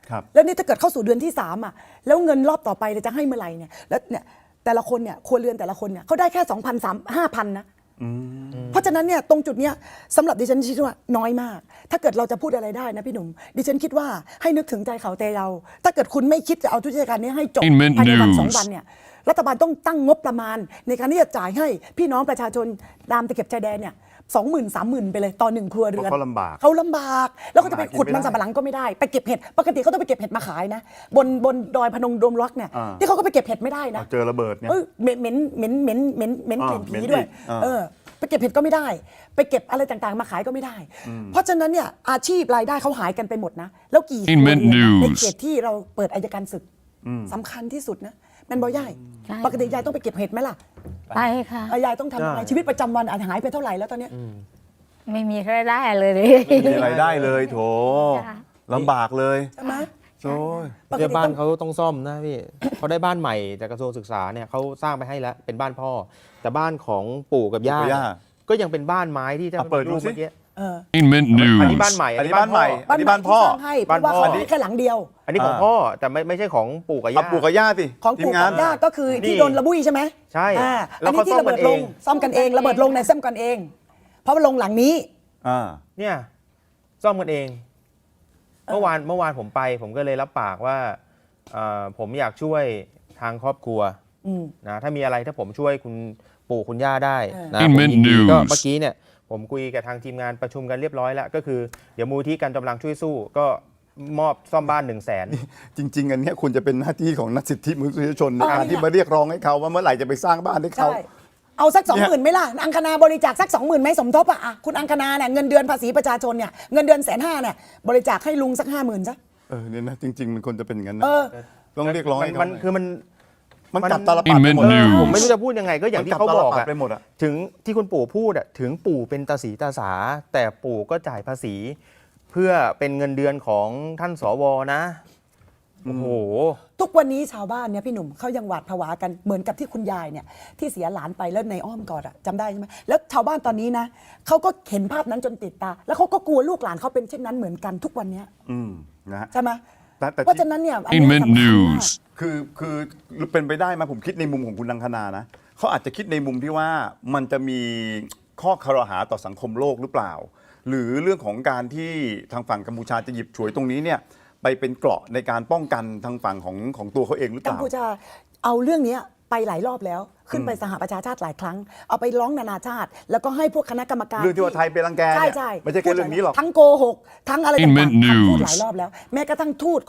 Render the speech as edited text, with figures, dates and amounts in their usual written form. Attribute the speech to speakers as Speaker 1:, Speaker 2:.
Speaker 1: แล้วนี่ถ้าเกิดเข้าสู่เดือนที่3อ่ะแล้วเงินรอบต่อไปจะให้เมื่อไหร่เนี่ยแล้วเนี่ยแต่ละคนเนี่ยครัวเรือนแต่ละคนเนี่ยเขาได้แค่ 2,000 3,000 5,000นะเพราะฉะนั้นเนี่ยตรงจุดเนี้ยสำหรับดิฉันคิดว่าน้อยมากถ้าเกิดเราจะพูดอะไรได้นะพี่หนุ่มดิฉันคิดว่าให้นึกถึงใจเขาแต่เราถ้าเกิดคุณไม่คิดจะเอาทุกกิจการนี้ให้จบภายในวัน2 วันเนี่ยรัฐบาลต้องตั้งงบประมาณในการที่จะจ่ายให้พี่น้องประชาชนตามตะเข็บชายแดนเนี่ย20,000 30,000ไปเลยต่อ1 ครัวเรือนเขาลำบากแล้วก็จะไปขุดมันสำปะหลังก็ไม่ได้ไปเก็บเห็ดปกติเขาต้องไปเก็บเห็ดมาขายนะบนดอยพนมดมรักเนี่ยที่เขาก็ไปเก็บเห็ดไม่ได้นะ
Speaker 2: เจอระเบิดเนี่ย
Speaker 1: เหม็นกลิ่นผีด้วยไปเก็บเห็ดก็ไม่ได้ไปเก็บอะไรต่างๆมาขายก็ไม่ได้เพราะฉะนั้นเนี่ยอาชีพรายได้เขาหายกันไปหมดนะแล้วกี่ครัวเรือนในเขตที่เราเปิดอัยการศึกสำคัญที่สุดนะแม่นบ่ยายปกติยายต้องไปเก็บเห็ดไหมล่ะ
Speaker 3: ไปค่ะ
Speaker 1: ยายต้องทำอะไรชีวิตประจำวันอาจหายไปเท่าไหร่แล้วตอนนี้
Speaker 3: ไม่มีรายได้เลย
Speaker 2: ไม่มีรายได้เลยโถลำบากเลย
Speaker 1: ใช่ไหม
Speaker 2: โอ้ย
Speaker 4: เดี๋ยวบ้านเขาต้องซ่อมนะพี่ เขาได้บ้านใหม่จากกระทรวงศึกษาเนี่ยเขาสร้างไปให้แล้วเป็นบ้านพ่อแต่บ้านของปู่กับย่าก็ยังเป็นบ้านไม้ที่จะ
Speaker 2: เปิดดูสิ
Speaker 4: อันนี้บ้านใหม่
Speaker 2: อันนี้บ้านใหม่อันนี้บ้านพ่อ
Speaker 1: บ้านพ่อแค่หลังเดียว
Speaker 4: อันนี้ของพ่อแต่ไม่ใช่ของปู่กับย่า
Speaker 2: ปู่กับย่าสิ
Speaker 1: ของปู่กับย่าก็คือที่โดนระบุยใช่ไหม
Speaker 4: ใช่
Speaker 1: อันนี้ที่ระเบิดลงซ่อมกันเองระเบิดลงในซ่อมกันเองเพราะว่าลงหลังนี้
Speaker 4: เนี่ยซ่อมกันเองเมื่อวานผมไปผมก็เลยรับปากว่าผมอยากช่วยทางครอบครัวนะถ้ามีอะไรถ้าผมช่วยคุณปู่คุณย่าได้นะผมยินดีก็เมื่อกี้เนี่ยผมคุยกับทางทีมงานประชุมกันเรียบร้อยแล้วก็คือเดี๋ยวมูลที่การกำลังช่วยสู้ก็มอบซ่อมบ้าน100,000
Speaker 2: จริงๆอันนี้ควรจะเป็นหน้าที่ของนักสิทธิมนุษยชนในการที่มาเรียกร้องให้เขาว่าเมื่อไหร่จะไปสร้างบ้านให้เขา
Speaker 1: เอาสัก 20,000ไหมล่ะอังคณาบริจาคสัก 20,000ไหมสมทบอ่ะคุณอังคณาเนี่ยเงินเดือนภาษีประชาชนเนี่ยเงินเดือน150,000เนี่ยบริจาคให้ลุงสัก 50,000ซะ
Speaker 2: เนี่ยนะจริงๆมันควรจะเป็นอย่างนั้นนะต้องเรียกร้องให้เขา
Speaker 4: มัน
Speaker 2: กลับตาลปัดไปหมด
Speaker 4: ผมไม่รู้จะพูดยังไงก็อย่างที่เขาบอกอะถึงที่คุณปู่พูดอะถึงปู่เป็นตาสีตาสาแต่ปู่ก็จ่ายภาษีเพื่อเป็นเงินเดือนของท่านสวนะโอ้โห
Speaker 1: ทุกวันนี้ชาวบ้านเนี่ยพี่หนุ่มเขายังหวาดผวากันเหมือนกับที่คุณยายเนี่ยที่เสียหลานไปแล้วในอ้อมกอดอะจำได้ใช่ไหมแล้วชาวบ้านตอนนี้นะเขาก็เห็นภาพนั้นจนติดตาแล้วเขาก็กลัวลูกหลานเขาเป็นเช่นนั้นเหมือนกันทุกวันนี้ใช่ไหมเพราะฉะนั้นเนี่ยอันนี้สำคัญมาก
Speaker 2: คือเป็นไปได้ไหมผมคิดในมุมของคุณอังคณานะเขาอาจจะคิดในมุมที่ว่ามันจะมีข้อคารหาต่อสังคมโลกหรือเปล่าหรือเรื่องของการที่ทางฝั่งกัมพูชาจะหยิบฉวยตรงนี้เนี่ยไปเป็นเกราะในการป้องกันทางฝั่งของตัวเขาเองหรือเปล่า
Speaker 1: กัมพูชาเอาเรื่องนี้ไปหลายรอบแล้วขึ้นไปสหประชาชาติหลายครั้งเอาไปร้องนานาชาติแล้วก็ให้พวกคณะกรรมการ
Speaker 2: เรื่องที่ว่าไทยเป็นรังแก
Speaker 1: ใช่
Speaker 2: ไม่ใช่แค่เรื่องนี้หรอก
Speaker 1: ทั้งโกหกทั้งอะไรต่างๆพูดหลายรอบแล้วแม้กระทั่งทูต